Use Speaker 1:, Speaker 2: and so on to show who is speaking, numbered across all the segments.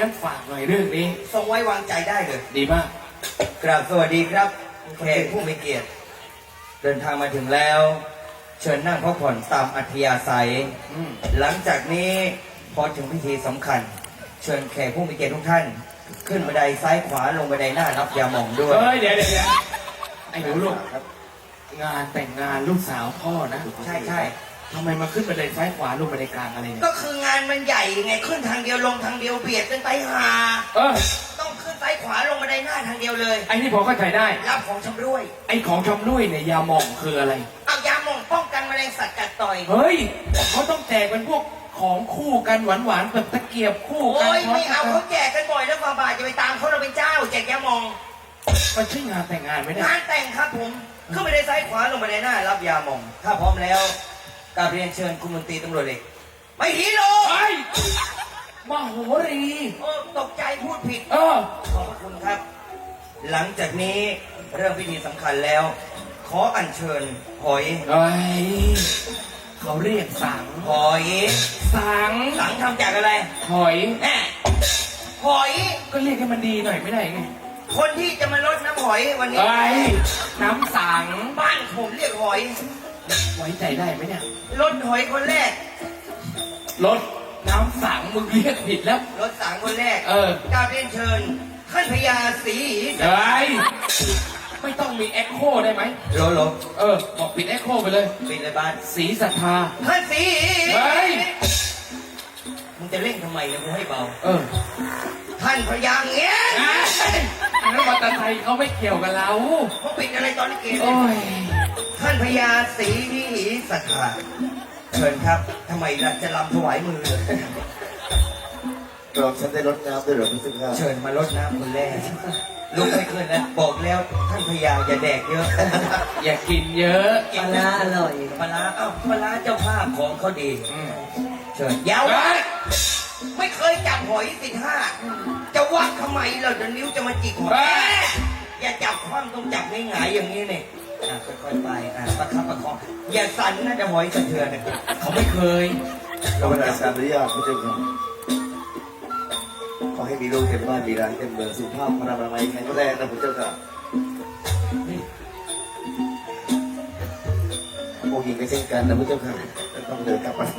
Speaker 1: งั้นฝากหน่อยเรื่องนี้
Speaker 2: ทรงไว้วางใจได้เลย
Speaker 1: ดีมาก
Speaker 2: กราบสวัสดีครับแขกผู้มีเกียรติเดินทางมาถึงแล้วเชิญนั่งพักผ่อนตามอัธยาศัยหลังจากนี้พอถึงพิธีสำคัญเชิญแขกผู้มีเกียรติทุกท่านขึ้นบันไดซ้ายขวาลงบันไดหน้ารับยาหม่องด้วย
Speaker 1: เฮ้ยเดี๋ยวไอ้หนูลูกงานแต่งงานลูกสาวพ่อนะ
Speaker 2: ใช่ใช่
Speaker 1: ทำไมมาขึ้นบันไดซ้ายขวาลงบันไดกลางอะไรเนี่ย
Speaker 2: ก็คืองานมันใหญ่ไงขึ้นทางเดียวลงทางเดียวเบียดกันไปหาต้องขึ้นซ้ายขวาลงบันไดหน้าทางเดียวเลย
Speaker 1: ไอ้นี่พอเข้าใจได้
Speaker 2: รับของชำร่วย
Speaker 1: ไอ้ของชำร่วยเนี่ยยาหม่องคืออะไร
Speaker 2: เอายาหม่องป้องกันแมลงสัตว์กัดต่อย
Speaker 1: เฮ้ยเขาต้องแจกเป็นพวกของคู่กันหวานๆแบบตะเกียบคู่กัน
Speaker 2: โอ้ยไม่เอาเขาแจกกันบ่อยแล้วฝ่าบาทจะไปตามเขาเราเป็นเจ้าแจกยาหม่อง
Speaker 1: มันใช่งานแต่งงานไหมเนี่ย
Speaker 2: งานแต่งครับผมขึ้นไปได้ซ้ายขวาลงไปในหน้ารับยาหม่องถ้าพร้อมแล้วกราบเรียนเชิญคุณมนตรีตำรวจเอกไม่ฮีโร่
Speaker 1: มโหรี
Speaker 2: ตกใจพูดผิดขอบคุณครับหลังจากนี้เรื่องพิธีสำคัญแล้วขออัญเชิญหอย
Speaker 1: เขาเรียกสัง
Speaker 2: หอย
Speaker 1: สัง
Speaker 2: ทำจากอะไร
Speaker 1: หอย
Speaker 2: หอย
Speaker 1: ก็เรียกให้มันดีหน่อยไม่ได้ไง
Speaker 2: คนที่จะมาลดน้ำหอยวันนี้
Speaker 1: น้ำสัง
Speaker 2: บ้านผมเรียกหอย
Speaker 1: ไว้ใจได้ไหมเนี่ย
Speaker 2: ลดหอยคนแรก
Speaker 1: ลดน้ำสังมึงเรียกผิดแล้ว
Speaker 2: ลดสังคนแรกกราบเรียนเชิญท่านพญาศรี
Speaker 1: ไม่ต้องมีเอ็กโคได้ไหม
Speaker 2: โล
Speaker 1: บอกปิดเอ็กโคไปเลย
Speaker 2: ปิดเลยบ้าน
Speaker 1: ศรีศรัทธา
Speaker 2: ท่านศรีมึงจะเล่นทำไมเนี่ยมึงให้เบาท่านพญาเงี้ย
Speaker 1: อันนั้นมอเตอร์ไซค์เขาไม่เกี่ยวกับเรา
Speaker 2: เขาปิดอะไรตอนนี้เกมท่านพญาศรีศรัทธาเชิญครับทำไมล่ะจะรำถวายมือ
Speaker 3: เราฉันได้รดน้ำด้วยหรือพี่ซึ่ง
Speaker 2: เชิญมารดน้ำคนแรกลุกไม่ขึ้นแล้วบอกแล้วท่านพญาอย่าแดกเยอะ
Speaker 1: อย่ากินเยอะ
Speaker 2: ปลาอร่อยปลาปลาเจ้าภาพของเขาดีเชิญยาวไม่เคยจับหอย15จะวัดทำไมเราจะนิ้วจะมาจิกหอยอย่าจับคว่ำต้องจับง่ายๆอย่างนี้เนี่ยค่อยๆไปประคับประคองอย่าสั่นนะจะหอยสะเทือน
Speaker 1: เขาไม่เคย
Speaker 3: เราเป็นอาจารย์อนุญาตพี่ซึ่งขอให้มีลูกเต็มบ้านมีร้านเต็มเมืองสุขภาพพระนามัยแข็งแรงนะผมเจ้าค่ะโอ้ยิงก็เช่นกันนะพระเจ้าค่ะต้องเดินกลับมา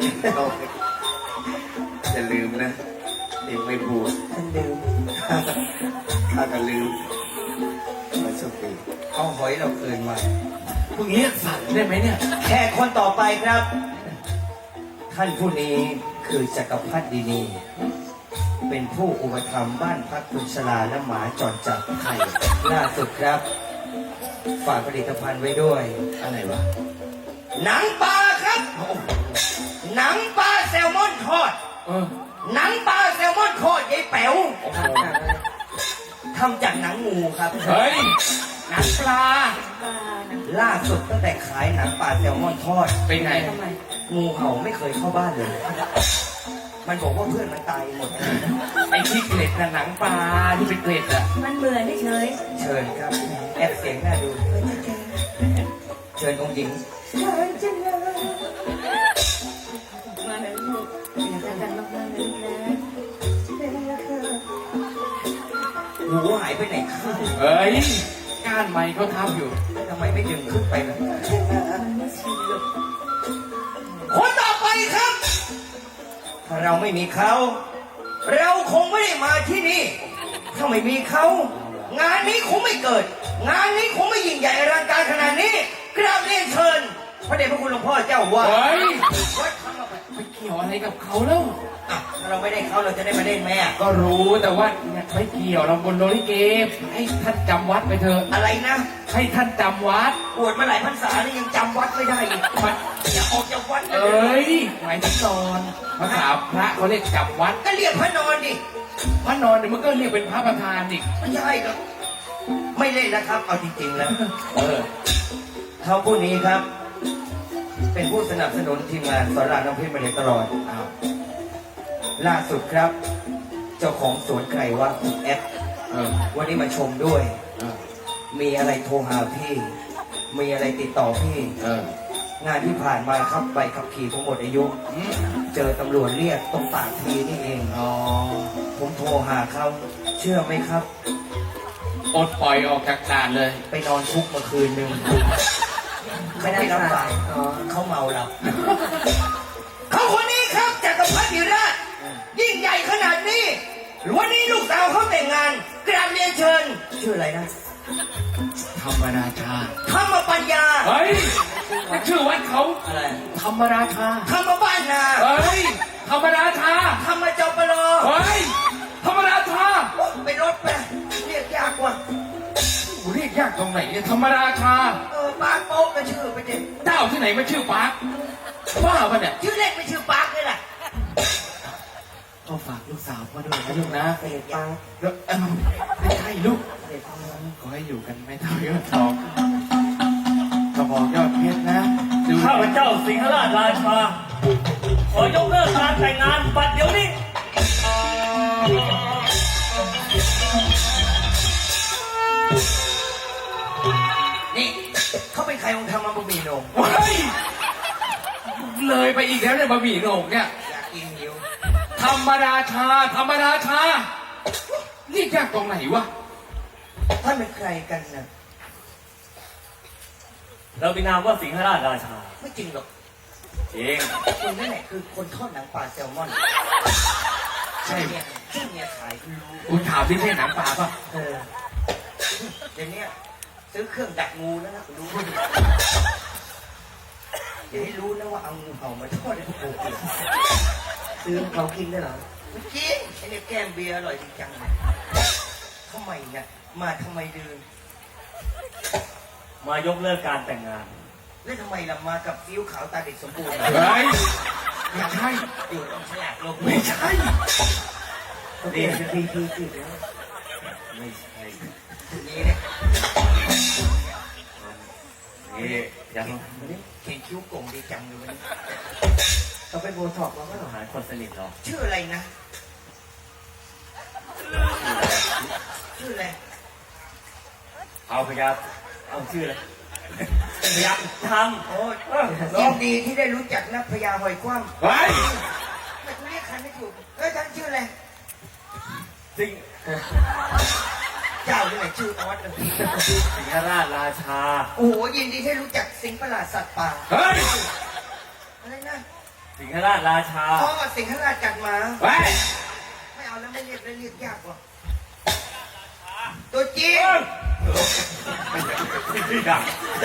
Speaker 3: อย่าลืมนะเองไม่พูด
Speaker 2: ท่านลืม
Speaker 3: ถ้ากันลืมมันโชคดี
Speaker 2: เอาหอยเราคืนมา
Speaker 1: พวกนี้สั่นได้ไหมเนี่ย
Speaker 2: แขกคนต่อไปครับท่านผู้นี้คือจักรพรรดินีเป็นผู้อุปถัมภ์บ้านพักคุณชลาและหมาจรจัดไทยล่าสุดครับฝากผลิตภัณฑ์ไว้ด้วย
Speaker 1: อะไรวะ
Speaker 2: หนังปลาครับหนังปลาแซลมอนทอดหนังปลาแซลมอนทอดยายแป๋วทำจากหนังงูครับ
Speaker 1: เฮ้ยหนังปลา
Speaker 2: ล่าสุดตั้งแต่ขายหนังปลาแซลมอนทอด
Speaker 1: เป็นไง
Speaker 2: งูเห่าไม่เคยเข้าบ้านเลยมันบอกว่าเพื่อนมันตายหมด
Speaker 1: ไอ้ที่เกล็ดน่ะหนังปลาที่เป็นเกล็ดอ่ะ
Speaker 4: มันเหมือนเฉย
Speaker 2: เชิญครับแอบเสียงน่าดูเชิญองค์หญิง
Speaker 4: มาแล้วลูกอย่ากันมากๆเลยนะ
Speaker 2: หูหายไปไหนข้าง
Speaker 1: เฮ้ยก้านไม้เขาทำอยู่
Speaker 2: ทำไมไม่ดึงขึ้นไปล่ะ
Speaker 4: มันไม่ชินหรอก
Speaker 2: คนต่อไปครับถ้าเราไม่มีเขาเราคงไม่ได้มาที่นี่ถ้าไม่มีเขางานนี้คงไม่เกิดงานนี้คงไม่ยิ่งใหญ่อลังการขนาดนี้กราบเรียนเชิญพระเดชพระคุณหลวงพ่อเจ้าว่า
Speaker 1: วัดทำไปเกี่ยวอะไรกับเขาแล้ว
Speaker 2: ถ้าเราไม่ได้เขาเราจะได้มาเล่นไหม
Speaker 1: ก็รู้แต่ว่าไม่เกี่ยวเราบนโลลิเกให้ท่านจำวัดไปเถอะ
Speaker 2: อะไรนะ
Speaker 1: ให้ท่านจำวัด
Speaker 2: บวชมาหลายพรรษาแล้วยังจำวัดไม่ได้อีกมันอย่าออกจากวัด
Speaker 1: เลยหมายถึงนอนภาษาพระเขาเรียกจำวัด
Speaker 2: ก็เรียกพระนอนดิ
Speaker 1: พระนอนเดี๋ยวมันก็เรียกเป็นพระประธานอีก
Speaker 2: ไม่ใช่หรอกไม่เล่นนะครับเอาจริงๆแล้วเขาผู้นี้ครับเป็นผู้สนับสนุนทีมงานสอนรามน้ำเพชรมาโดยตลอดล่าสุดครับเจ้าของสวนไก่ว่าคุณแอปวันนี้มาชมด้วยมีอะไรโทรหาพี่มีอะไรติดต่อพี่งานที่ผ่านมาครับใบขับขี่ผมหมดอายุเจอตำรวจเรียกตรงปากทีนี่เอง
Speaker 1: อ๋อ
Speaker 2: ผมโทรหาเขาเชื่อไหมครับ
Speaker 1: ปลดปล่อยออกจากด่านเลย
Speaker 2: ไปนอนคุกมาคืนนึงไม่ได้รับสายเขาเมาหลับเขาคนนี้ครับจักรพรรดิราชยิ่งใหญ่ขนาดนี้วันนี้ลูกสาวเขาแต่งงานกราบเรียนเชิญชื่ออะไรนะ
Speaker 1: ธรรมราชา
Speaker 2: ธรรมปัญญา
Speaker 1: เฮ้ยชื่อวัดเขา
Speaker 2: อะไร
Speaker 1: ธรรมราชา
Speaker 2: ธรรมบ้านนา
Speaker 1: เฮ้ย ธรรมราชา
Speaker 2: ธรรมจปร
Speaker 1: เฮ้ย ธรรมราชา
Speaker 2: ไปรถไปเรียกยากกว่า
Speaker 1: เรียกยากตรงไหนเนี่ยธรรมราชา
Speaker 2: ปาร์คโป๊กก็ชื่อไปเด็
Speaker 1: เจ้าที่ไหนมาชื่อปาร์คว่าปะเนี่ย
Speaker 2: ชื่อเล่นไม่ชื่อปาร์คเลยแหละ
Speaker 1: ก็ฝากลูกสาวมาด้วยนะลูกนะ
Speaker 2: เสด็จปาร์ค
Speaker 1: แล้วไม่ใช่ลูก
Speaker 2: เสด็จปาร์ค
Speaker 1: ขอให้อยู่กันไม่เท่ายอดทองกระบอกยอดเพชรนะดู
Speaker 5: ข้าพเจ้าสิงหราชราชา ขอยกเลิกการแต่งงานบัดเดี๋ยวนี้
Speaker 2: นี่เขาเป็นใครองค์ทำมาบะหมี่โหนง
Speaker 1: เฮ้ยเลยไปอีกแล้วเนี่ยบะหมี่โหนงเนี่ย
Speaker 2: อยากกินหิว
Speaker 1: ธรรมราชา ธรรมราชาเรียกยากตรงไหนวะ
Speaker 2: ท่านเป็นใครกันนะ
Speaker 5: เรามีนามว่าสิงหราชราชา
Speaker 2: ไม่จริงหรอก
Speaker 5: เอง
Speaker 2: คุณนั่นแหละคือคนทอดหนังปลาแซลมอน
Speaker 1: ใช่
Speaker 2: เนี่ยที่เมียขายคุณรู้
Speaker 1: คุณถามที่ใช่หนังปลาป่ะ
Speaker 2: เดี๋ยวนี้ซื้อเครื่องดักงูแล้วนะคุณรู้อย่าให้รู้นะว่าเอางูเห่ามาทอดให้พวกกูกินซื้อเขากินได้เหรอไม่กินไอ้เนี่ยแก้มเบียร์อร่อยจริงจังเลยทำไมเนี่ยมาทำไมเดิน
Speaker 5: มายกเลิกการแต่งงาน
Speaker 2: แล้วทำไมล่ะมากับฟิ้วขาวตาเด็กสมบูรณ์
Speaker 1: เฮ้ยไม่ใช่
Speaker 2: อยู่ตรงฉลากลง
Speaker 1: ไม่ใช่
Speaker 2: นี่คือพีสิแล้ว
Speaker 5: ไม่ใช่
Speaker 2: ทีนี้เนี่ย
Speaker 5: นี่ยัง
Speaker 2: เขียนคิ้วโก่งดีจังเลยวันนี้เขาไปโบท็อกซ์แล้วก็
Speaker 5: หาคนสนิทหรอก
Speaker 2: ชื่ออะไรนะ ชื่ออะไร
Speaker 5: เอาพยับเอาชื่ออะไรพยับท
Speaker 2: โอ้ยยินดีที่ได้รู้จักนักพญาหอยคว่ำ
Speaker 1: เฮ้ย
Speaker 2: แต่กูเรียกใครไม่ถูกท่านชื่ออะไร
Speaker 5: ำสิง
Speaker 2: เจ้าที่ไหนชื่อออสเลย
Speaker 5: สิงหราชราชา
Speaker 2: โอ้โหยินดีที่รู้จักสิงห์ประหลาดสัตว์ป่า
Speaker 1: เฮ้ย
Speaker 2: อะไรนะ
Speaker 5: สิงหราชราชา
Speaker 2: อ๋อสิงห์ราชกัดหมา
Speaker 1: เฮ้ย
Speaker 2: ไม่เอาแล้วไม่เรียกแล้วเรียกยากกว่าตัวจริง
Speaker 5: ไม่ดัง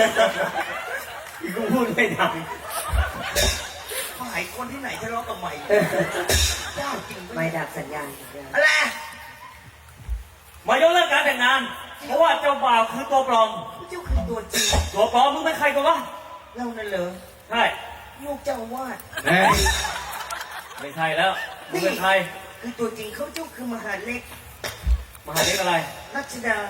Speaker 5: กูพูดไม่ดัง
Speaker 2: ฝ่ายคนที่ไหนทะเลาะกับใหม่เจ้าจริง
Speaker 6: ไม่ดับสัญญาณ
Speaker 2: อะไร
Speaker 5: มายกเลิกการแต่งงาน เพราะว่าเจ้าบ่าวคือตัวปลอม
Speaker 2: เจ้าคือตัวจริง
Speaker 5: ตัวปลอมมึงเป็นใครกันวะ
Speaker 2: เรานั่นเหรอ
Speaker 5: ใช่
Speaker 2: ลูกเจ้าอาวาด
Speaker 1: เฮ้ย
Speaker 5: ไม่ใช่แล้วมึงเป็นใคร
Speaker 2: คือตัวจริงเขาเจ้าคือมหาเล็ก
Speaker 5: มหาเล็กอะไร
Speaker 2: รัชดา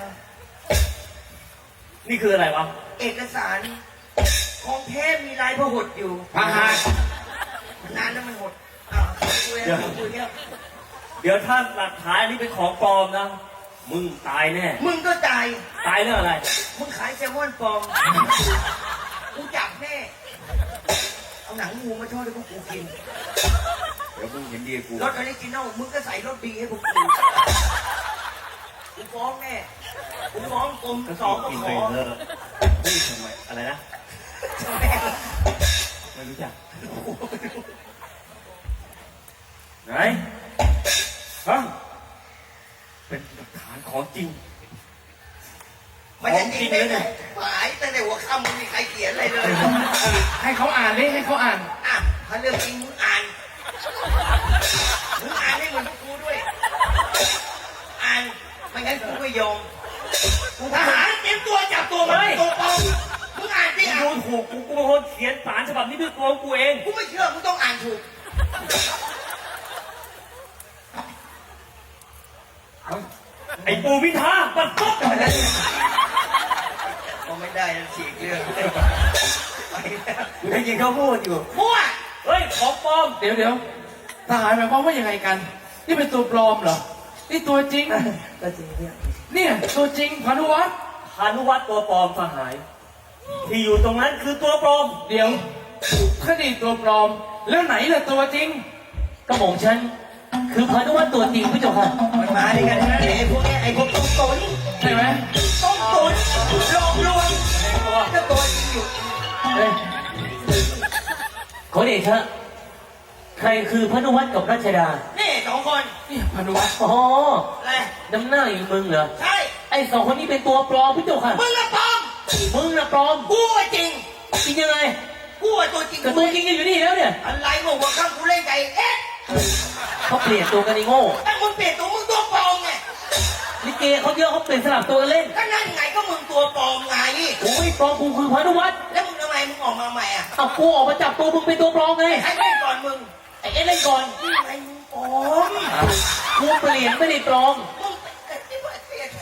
Speaker 5: นี่คืออะไรวะ
Speaker 2: เอกสารของแท้มีลายพหดอยู่
Speaker 1: พาหา
Speaker 2: นานแล้วมันหดอ้าวคุยแล้วคุยแล้ว
Speaker 5: เดี๋ยวถ้าหลักฐานอันนี้เป็นของปลอมนะ มึงตายแน่
Speaker 2: มึงก็ตาย
Speaker 5: ตายเรื่องอะไร
Speaker 2: มึงขายแซลมอนปลอมกูจับแน่เอาหนังงูมาทอดให้พวกกูกิน
Speaker 5: เดี๋ยวมึงเห็นดีกู
Speaker 2: รสออริจินอลมึงก็ใส่รสดีให้พวกกูกูฟ้องแน่กูฟ้องกรม
Speaker 5: ก็
Speaker 2: สองก็
Speaker 5: กิน
Speaker 2: ข
Speaker 5: ไป
Speaker 2: อ
Speaker 5: เถอะนี่ทำไมอะไรนะ
Speaker 2: แม่
Speaker 5: ไม่รู้จัก ไหนฮะเป็นหลักฐานของจริง
Speaker 2: มันจะจริงได้ไงหายตั้งแต่หัวค่ำมึงมีใครเขียนอะไรเลย
Speaker 1: ให้เขาอ่านดิให้เขาอ่าน
Speaker 2: อ่ะถ้าเรื่องจริงมึงอ่านให้เหมือนพวกกูด้วย อ่านไม่งั้นกูไม่ยอมทหารเตรียมตัวจับตัวมันตัวปลอมมึงอ่านสิ
Speaker 5: กู
Speaker 2: อ่ะ
Speaker 5: ดูถูกกูเป็นคนเขียนสารฉบับนี้ด้วยตัวของกูเอง
Speaker 2: กูไม่เชื่อกูต้องอ่านถูก
Speaker 5: ไอ้ปูพิธาปัดปุ๊บ
Speaker 2: ก็ไม่ได้แล้วฉีกเรื่องไปแล้ว
Speaker 5: กูได้ยินเขาพูดอยู่
Speaker 2: มั่ว
Speaker 5: เฮ้ย ของปลอม
Speaker 1: เดี๋ยวทหารหมายความว่ายังไงกัน นี่เป็นตัวปลอมเหรอ นี่ตัวจริง
Speaker 6: ก็จริงเนี่ย
Speaker 1: เนี่ยตัวจริงพานุวัฒน์
Speaker 5: พานุวัตรตัวปลอมสหาย ที่อยู่ตรงนั้นคือตัวปลอม
Speaker 1: เดี๋ยวถ้านี่ตัวปลอมแล้วไหนล่ะตัวจริง
Speaker 6: กระหม่อมฉันคือพานุวัฒน์ตัวจริงพระเจ้าค่ะ
Speaker 2: มันมาด้วยกันนะไอ้พวกเนี้ยไอ้พวกต้มตุ๋น
Speaker 1: ใช่ไหม
Speaker 2: ต้มตุ๋นหลอกลวงก็ตัวจริงอยู่
Speaker 6: เอ้ยขอเดชะใครคือพานุวัฒน์กับรัชดา
Speaker 2: นี่สองคน
Speaker 1: นี่พานุวัฒน์
Speaker 6: อ๋อ
Speaker 2: อะไร
Speaker 6: น้ำหน้าอยู่มึงเหรอ
Speaker 2: ใช่
Speaker 6: ไอ้สองคนนี้เป็นตัวปลอมพระเจ้าค่ะ
Speaker 2: มึงละปลอม
Speaker 6: มึงน่ะปลอม
Speaker 2: กูอะจริง
Speaker 6: จริงยังไง
Speaker 2: กูอะตัวจริง
Speaker 6: แต่ตัวจริงก็อยู่นี่แล้วเนี่ย
Speaker 2: อะไรบอกว่าข้างกูเล่นไก่เอ๊ะ
Speaker 6: เขาเปลี่ยนตัวกันไอ้โง่
Speaker 2: ไอ้มึงเปลี่ยนตัวมึงตัวปลอมไง
Speaker 6: ลิเกเขาเยอะเขาเปลี่ยนสลับตัวกันเล่น
Speaker 2: ก็นั่นไงก็มึงตัวปลอมไง
Speaker 6: กูไม่ปลอมกูคือพานุวัฒน์
Speaker 2: แล้วมึงทำไมมึงออกมาใหม่อ่ะ
Speaker 6: เอากูออกมาจับตัวมึงเป็นตัวปลอมไง
Speaker 2: ใครเล่นก่อนมึง
Speaker 6: ไอ้เอ็นเล่นก่อน
Speaker 2: นี่ไงมึงปลอม
Speaker 6: กูเปลี่ยนไม่ได้ปลอม
Speaker 2: มึงเปลี่ยน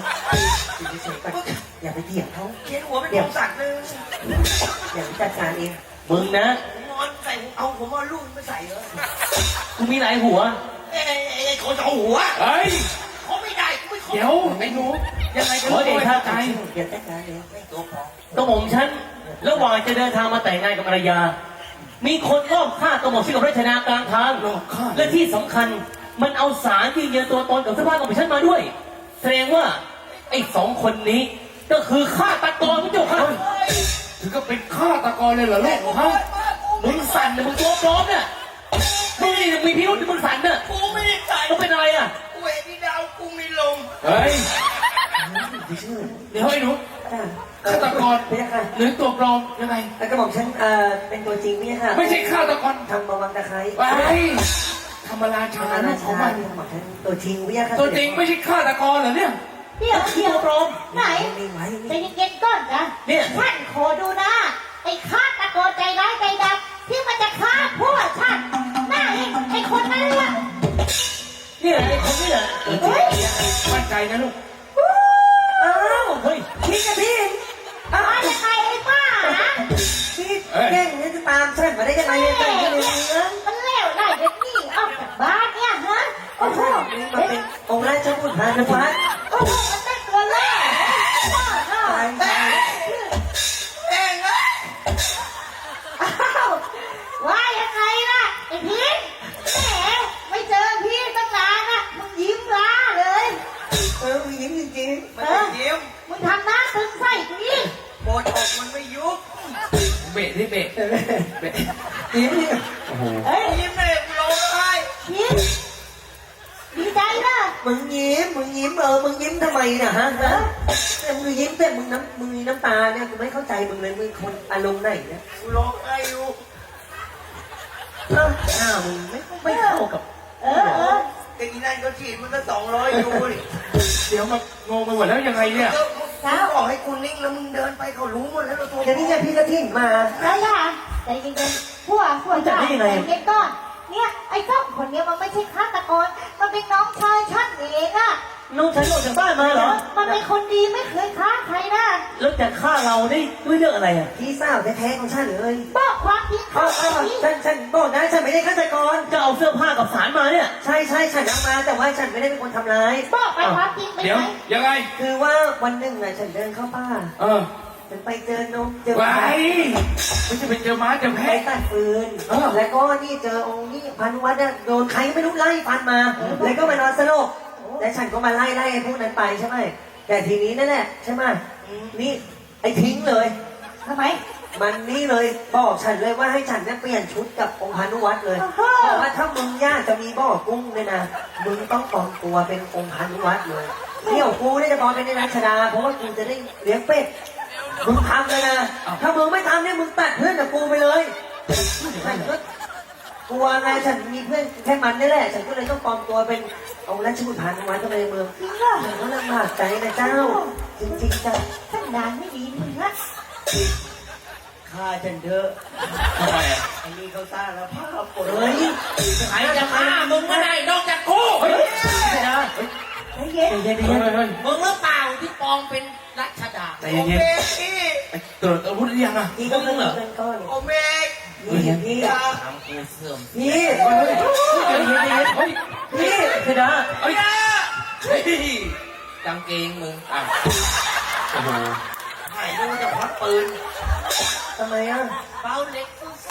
Speaker 4: อย่าไปเถียงเขา
Speaker 2: เขียนหัวเป็นของสัตว์เลย
Speaker 4: อย่าไปจัดการเอง
Speaker 6: มึงนะ
Speaker 2: ผมนอนใส่เอาผมเอาลูกไม่ใส่เลย
Speaker 6: กูมีหลายหัว
Speaker 2: ไอ้คนสองหัว
Speaker 1: เฮ้ย
Speaker 2: เขาไม่ได้กูไม่เขา
Speaker 1: เดี๋ยวไอ้หนูยังไงกัน
Speaker 6: ขอเดชะ
Speaker 1: ใจ
Speaker 4: อย่าจัดการเอง
Speaker 2: ไม่ตัวปลอม
Speaker 6: กระหม่อมฉันระหว่างจะเดินทางมาแต่งงานกับภรรยา มีคนรอบฆ่ากระหม่อมฉันกับรัชนากลางทาง
Speaker 1: หลอกข้า
Speaker 6: และที่สำคัญมันเอาสารยืนยันตัวตนกับเสื้อผ้าของฉันมาด้วย แสดงว่าไอ้สองคนนี้ก็คือฆาตกรพระเจ้าค่ะ
Speaker 1: ถึงก็เป็นฆาตกรเลยเหรอลูกฮะ
Speaker 6: มึงสั่นนะมึงตัวปลอมเนี่ยมึงนี่มีพิรุษมึงสั่นเนี่ย
Speaker 2: กูไม่ได้ใส่
Speaker 6: มึงเป็นอะไรอ่ะ
Speaker 2: กูเห็นพี่ดาวกูมีลม
Speaker 1: เฮ้ย
Speaker 4: ไม่เชื่อ
Speaker 1: เดี๋ยวไอ้หนู ฆาตกร
Speaker 4: ไม่ใช่ค่ะ
Speaker 1: หรือตัวปลอมยังไง
Speaker 4: แล้วก็บอกฉันเป็นตัวจริงไม่ใช่ค่ะ
Speaker 1: ไม่ใช่ฆาตกร
Speaker 4: ทำบวังตะไคร้
Speaker 1: ไปธรรมราชา
Speaker 4: ทำ
Speaker 1: ลูกของมัน
Speaker 4: บอกฉันตัวจริงไม่ใช่ค่ะ
Speaker 1: ตัวจริงไม่ใช่ฆาตกรเหรอเนี่ย
Speaker 7: เดี๋ยวเดี๋ยว
Speaker 6: ตัวปลอม
Speaker 7: ไหน
Speaker 4: ไม่ไหว
Speaker 7: ใจเย็นๆก่อนนะ
Speaker 6: เนี่ย
Speaker 7: ท่านขอดูนะ ไอ้ฆาตกรใจร้ายใจดำที่มันจะฆ่าพวกท่านหน้าไอ้คนนั้นล่ะ
Speaker 6: เนี่ยไอ้คนนี้แหละ
Speaker 7: เฮ้ย
Speaker 1: มั่นใจนะลูก
Speaker 4: อ้าว
Speaker 6: เฮ้ย
Speaker 4: พี่กับพี่อ้าว
Speaker 7: มาจากใครไอ้บ้านะ
Speaker 4: พี่แย่งนี่จะตามฉันมาได้ยังไงเนี่ยใจเย็นๆนะ
Speaker 7: มันเลวได้เด็กนี่ออกจากบ้านเนี่ยฮะโอ้โห
Speaker 4: นี่มาเป็นองค์ราชบุตรพานุวัฒน์
Speaker 7: โอ้โหมันเป็นตัวเล่ห์บ้าเนาะ
Speaker 4: ตายตาย
Speaker 2: เองอะ
Speaker 7: อ้าวว่ายังไงล่ะไอ้พิษแหมไม่เจอพี่ตั้งนานอ่ะมึงยิ้มล้าเลย
Speaker 4: มียิ้มจริง
Speaker 2: มันไม่ยิ้ม
Speaker 7: มึงทำหน้าตึงใส่กูอีก
Speaker 2: โบนอกมันไม่ยุบ
Speaker 1: เบะที่เบะเบะ
Speaker 4: ๆยิ้มนี่
Speaker 7: เฮ้ย
Speaker 2: ยิ้มเลยกูร้องไห้
Speaker 7: ยิ้มดีใจนะ
Speaker 4: มึงยิ้มมึงยิ้มทำไมน่ะฮะแต่มึงยิ้มแต่มึงมีน้ำตาเนี่ยกูไม่เข้าใจมึงเลยมึงคนอารมณ์ไหนเนี่ย
Speaker 2: กูร้องไห้อยู่
Speaker 4: หน้ามึงไม่เข้ากับ
Speaker 7: เออ
Speaker 2: ไอ้นั่นก็ฉีดมันก็200อยู่ดิ
Speaker 1: เดี๋ยวมางงไปหมดแล้วยังไงเนี่ย
Speaker 2: มึงบอกให้กูนิ่งแล้วมึงเดินไปเขารู้หมดแล้วตัว
Speaker 4: เดี๋ยวนี้ไงพี่กระถิ่นมา
Speaker 7: แล้วล่ะใจเย็นๆพวกใจเย็นก่อนเนี่ยไอ้เจ้าคนเนี้ยมันไม่ใช่ฆาตกรมันเป็นน้องชายฉันเองอะ
Speaker 6: น้องฉันออกจากบ้านมาเหรอ
Speaker 7: มันเป็นคนดีไม่เคยฆ่าใครนะ
Speaker 6: แล้วจะฆ่าเราได้ด้วยเรื่องอะไรอ่ะ
Speaker 4: พี่สาวแท้ๆของฉันเลย
Speaker 7: บอกความจริง
Speaker 4: เอา
Speaker 7: เขา
Speaker 4: เอา
Speaker 7: สิ
Speaker 4: ฉันบอกนะฉันไม่ได้ฆาตกร
Speaker 6: จะเอาเสื้อผ้ากับสารมาเนี่ย
Speaker 4: ใช่ฉันเอามาแต่ว่าฉันไม่ได้เป็นคนทำร้าย
Speaker 7: บอกไปความจริงไป
Speaker 1: เดี๋ยว
Speaker 7: ไหม
Speaker 1: ยังไง
Speaker 4: คือว่าวันหนึ่งน่ะฉันเดินเข้าป่า
Speaker 1: เออ
Speaker 4: ฉันไปเจอนมเจอ
Speaker 1: ไว้ไม่ใช่ไปเจอม้าเจอ
Speaker 4: ไป
Speaker 1: แพะ
Speaker 4: ตัดฟืน
Speaker 1: เออ
Speaker 4: แล้วก็นี่เจอองค์นี่พันวัดน่ะโดนใครไม่รู้ไล่ฟันมา แล้วก็มานอนสลบแล้วฉันก็มาไล่ไอ้พวกนั้นไปใช่ไหมแต่ทีนี้นั่นแหละใช่ไหมนี่ไอ้ทิ้งเลย
Speaker 7: ทำไม
Speaker 4: มันนี่เลยบอกฉันเลยว่าให้ฉันเนี่ยเปลี่ยนชุดกับองค์พานุวัตรเลยบอกว่าถ้ามึงยากจะมีบ่อกุ้งเนี่ยนะมึงต้องปลอมตัวเป็นองค์พานุวัตรเลยเดี๋ยวกูเนี่ยจะปลอมเป็นในรัชดาเพราะว่ากูจะได้เลี้ยงเป็ดมึงทำเลยนะถ้ามึงไม่ทำเนี่ยมึงตัดเพื่อนกับกูไปเลยฉันก็กลัวไงฉันมีเพื่อนแค่มันนี่แหละฉันก็เลยต้องปลอมตัวเป็นองค์ราชบุตรพานุวัตรเข้าไปในเมือง
Speaker 7: จริงเหรอ
Speaker 4: ฉันก็ลำบากใจนะเจ้า จริงๆจ้ะ
Speaker 7: สันดานไม่ดีมึงนะ
Speaker 2: ฆ่าฉันเถอะ
Speaker 1: ทำไมอ่ะ
Speaker 2: ไอ้นี่เขาสร้างแล้วภาพปวด
Speaker 4: เฮ้ย
Speaker 1: ใครจะฆ่ามึงก็ได้นอกจากกูเฮ้ย
Speaker 6: ไม่ได้
Speaker 7: ใจเย็น
Speaker 6: เย็น
Speaker 1: เฮ้ยเฮ้ย
Speaker 2: มึงหรือเปล่าที่ปลอมเป็นรัชดา
Speaker 1: ใจเย็น
Speaker 2: โอ
Speaker 1: ๆ
Speaker 2: เค
Speaker 1: ตรวจอาวุธหรือยังอ่ะ
Speaker 4: พี่ก็เพิ่งเงินก้อน
Speaker 2: โอเมก
Speaker 4: นี่พี่
Speaker 2: อย่า
Speaker 1: ทำกูเสื่อม
Speaker 4: พี่
Speaker 1: เฮ้ยเฮ้ยเฮ้ย
Speaker 4: พี่
Speaker 6: เพดา
Speaker 1: เฮ้ยเฮ้ยกางเกงมึงอ่ะโอ้โห
Speaker 2: ถ่ายรูปจะพักปืน
Speaker 4: ทำไมอ่ะ
Speaker 2: เป้าเล็กสู้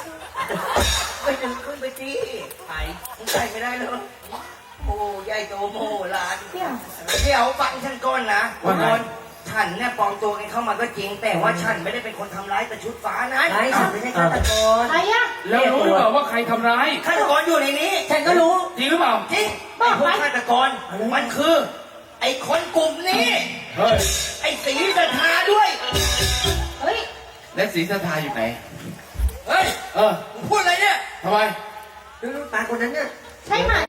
Speaker 2: ไปดึงขึ้นไปที่ไปมึงใส่ไม่ได้เลยโอ้ยายโตโมหลานเดี๋ยวฟังฉันก่อนนะ
Speaker 1: ว่าไง
Speaker 2: ฉันเนี่ยปลอมตัวกันเข้ามาก็จริง แต่ว่าฉันไม่ได้เป็นคนทำร้ายแต่ชุดฟ้านะ
Speaker 4: ไอ้ฉันไม่ใช่ฆาตกร
Speaker 7: ใครอะ
Speaker 5: แล้วรู้หรือเปล่าว่าใครทำร้าย
Speaker 2: ฆาตกรอยู่ในนี้
Speaker 4: ฉันก็รู้
Speaker 5: จริงหรือเปล่า
Speaker 2: จริงไอ้พวกฆาตกรมันคือ ไอ้คนกลุ่มนี้
Speaker 5: เฮ้ย
Speaker 2: ไอ้สีสัทธาด้วย
Speaker 7: เฮ้ย
Speaker 1: และศรีสัทธาอยู่ไหน
Speaker 2: เฮ้ย
Speaker 1: เออ
Speaker 2: มึงพูดอะไรเนี่ย
Speaker 1: ทำไม
Speaker 4: ดูตาคนนั้นเนี่ย
Speaker 7: ใช่ไหม